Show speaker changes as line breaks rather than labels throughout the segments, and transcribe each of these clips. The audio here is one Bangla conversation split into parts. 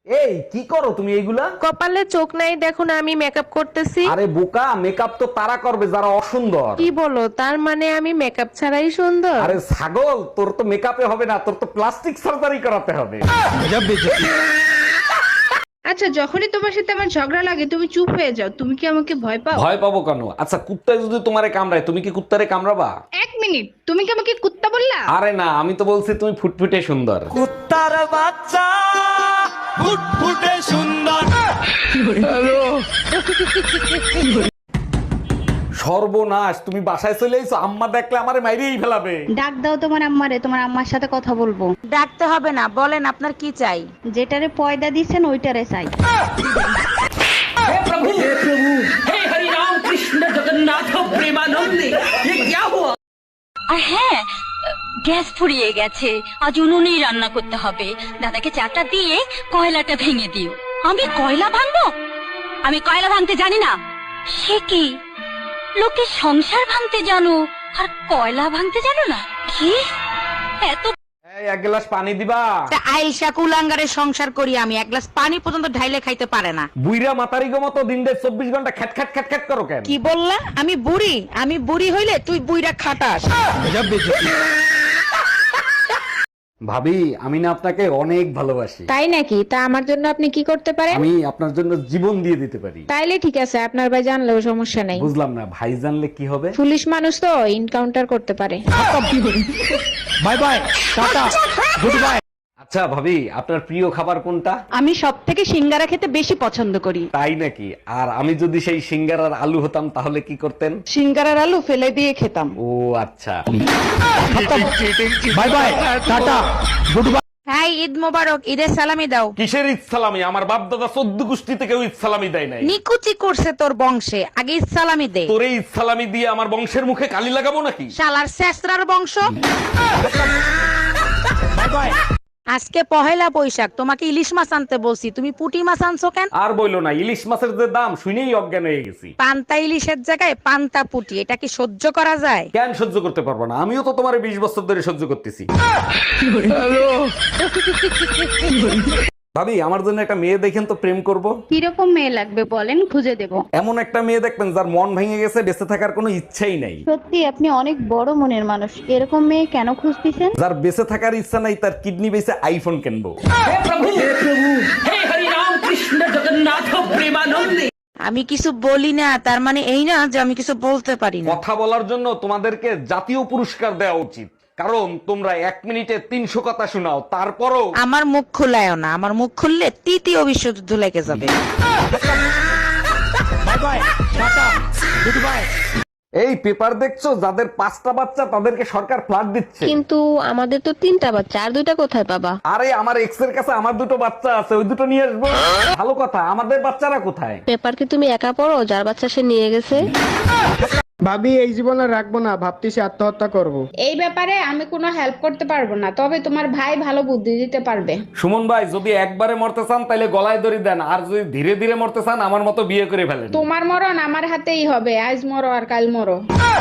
এই কি করো তুমি এইগুলা?
কপালে চোখ নাই দেখো না, আমি মেকআপ করতেছি।
আরে বোকা, মেকআপ তো তারা করবে যারা অসুন্দর।
কি বলো, তার মানে আমি মেকআপ ছাড়াই সুন্দর?
আরে ছাগল, তোর তো মেকআপে হবে না, তোর তো প্লাস্টিক সার্জারি করাতে হবে।
আচ্ছা, যখনই তোমার সাথে আমার ঝগড়া লাগে তুমি চুপ হয়ে যাও, তুমি কি আমাকে ভয় পাও?
ভয় পাবো কেন? আচ্ছা কুত্তায় যদি তোমারে কামড়ায়, তুমি কি কুত্তারে কামড়াবা?
এক মিনিট, তুমি কি আমাকে কুত্তা বললা?
আরে না, আমি তো বলছি তুমি ফুটফুটে সুন্দর।
কুত্তার বাচ্চা ফুটফুটে সুন্দর।
সর্বনাশ, তুমি বাসায় চলে এসো, আম্মা দেখলে আমারে মাইরেই ফেলাবে।
ডাক দাও তোমার আম্মারে, তোমার আম্মার সাথে কথা বলবো।
ডাকতে হবে না, বলেন আপনার কি চাই।
যেটারে পয়দা দিচ্ছেন ওইটারে চাই।
আর হ্যাঁ, গ্যাস ফুরিয়ে গেছে, আজ উনুনেই রান্না করতে হবে। দাদাকে চাটা দিয়ে কয়লাটা ভেঙে দিও। আমি কয়লা ভাঙবো? আমি কয়লা ভাঙতে জানি না। সে কি, লোকে সংসার ভাঙতে জানো আর কয়লা ভাঙতে জানো না? কি এত
এই এক গ্লাস পানি দিবা?
আইসা কুলাঙ্গারের সংসার করি আমি, এক গ্লাস পানি পর্যন্ত ঢাইলে খাইতে পারে না।
বুইরা মাতারি গো মতো দিন দেড় 24 ঘন্টা খ্যাট খ্যাট খ্যাট খ্যাট করো কেন?
কি বললা? আমি বুড়ি? আমি বুড়ি হইলে তুই বুইরা খাটাস।
ভাবি, আমি না আপনাকে অনেক ভালোবাসি।
তাই নাকি? তা আমার জন্য আপনি কি করতে পারেন?
আমি আপনার জন্য জীবন দিয়ে দিতে পারি।
তাইলে ঠিক আছে, আপনার ভাই জানলেও সমস্যা নাই।
বুঝলাম না, ভাই জানলে কি হবে?
পুলিশ মানুষ তো এনকাউন্টার করতে পারে।
Bye bye, tata, good bye.
আচ্ছা ভাবি, আপনার প্রিয় খাবার কোনটা?
আমি সব থেকে সিঙ্গারা খেতে বেশি পছন্দ করি।
তাই নাকি? আর আমি যদি সেই সিঙ্গারার আলু হতাম তাহলে কি করতেন?
সিঙ্গারার আলু ফেলে দিয়ে খেতাম।
ও আচ্ছা।
Bye bye, tata, good bye.
হ্যাঁ, ঈদ মোবারক। ঈদের সালামি দাও।
কিসের ঈদ সালামি? আমার বাপ দাদা 14 গোষ্ঠী থেকে ঈদ সালামি দেয় নাই।
নিকুচি করছে তোর বংশে, আগে ঈদ সালামি দে।
তোরে ঈদ সালামি দিয়ে আমার বংশের মুখে কালি লাগাবো নাকি?
শালার শেষরার বংশ।
Bye bye.
আজকে পহেলা বৈশাখ, তোমাকে ইলিশ মাছ আনতে বলছি, তুমি পুঁটি মাছ আনছো কেন?
আর বইলো না, ইলিশ মাছের যে দাম শুনেই অজ্ঞান হয়ে গেছি।
পান্তা ইলিশের জায়গায় পান্তা পুঁটি, এটা কি সহ্য করা যায়?
কেন সহ্য করতে পারবো না? আমিও তো তোমার 20 বছর ধরে সহ্য করতেছি। ভাবি, আমার জন্য একটা মেয়ে দেখেন তো, প্রেম করব।
কিরকম মেয়ে লাগবে বলেন, খুঁজে দেব।
এমন একটা মেয়ে দেখবেন যার মন ভেঙে গেছে, বেঁচে থাকার কোনো ইচ্ছাই নাই।
সত্যি আপনি অনেক বড় মনের মানুষ, এরকম মেয়ে কেন খুঁজতেছেন?
যার বেঁচে থাকার ইচ্ছা নাই, তার কিডনি বেঁচে আইফোন কিনবো।
আমি কিছু বলি না তার মানে এই না যে আমি কিছু বলতে পারি না।
কথা বলার জন্য তোমাদেরকে জাতীয় পুরস্কার দেওয়া উচিত, কারণ তোমরা 1 মিনিটে 300 কথা শোনাও, তারপরও
আমার মুখ খুলায় না, আমার মুখ খুললে তৃতীয় বিশ্বযুদ্ধ লেগে যাবে।
Bye bye, tata, good bye.
এই পেপার দেখছো, যাদের 5টা বাচ্চা তাদেরকে সরকার ফ্ল্যাট দিচ্ছে।
কিন্তু আমাদের তো 3টা বাচ্চা, আর 2টা কোথায় পাবা?
আরে আমার এক্স এর কাছে আমার 2টো বাচ্চা আছে, ওই 2টো নিয়ে আসবো। ভালো কথা, আমাদের বাচ্চারা কোথায়?
পেপার কি তুমি একা পড়ো? যার বাচ্চা সে নিয়ে গেছে।
ভাবি, এই জীবনে রাখবো না, ভাবতেছি আত্মহত্যা করব।
এই ব্যাপারে আমি কোনো হেল্প করতে পারবো না, তবে তোমার ভাই ভালো বুদ্ধি দিতে পারবে।
সুমন ভাই, যদি একবারে মরতে চান তাহলে গলায় দড়ি দেন, আর যদি ধীরে ধীরে মরতে চান আমার মতো বিয়ে করে ফেলেন।
তোমার মরণ আমার হাতেই হবে, আজ মরো আর কাল মরো।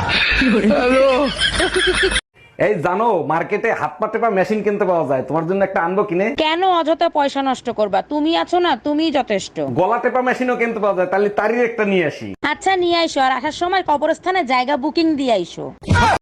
এই জানো, মার্কেটে হাত পা টেপা মেশিন কিনতে পাওয়া যায়, তোমার জন্য একটা আনবো কিনে?
কেন অযথা পয়সা নষ্ট করবা? তুমি আছো না, তুমিই যথেষ্ট।
গলা টেপা মেশিনও কিনতে পাওয়া যায়, তাহলে তারই একটা নিয়ে আসি।
আচ্ছা নিয়ে আইসো, আর আসার সময় কবরস্থানে জায়গা বুকিং দিয়ে আইসো।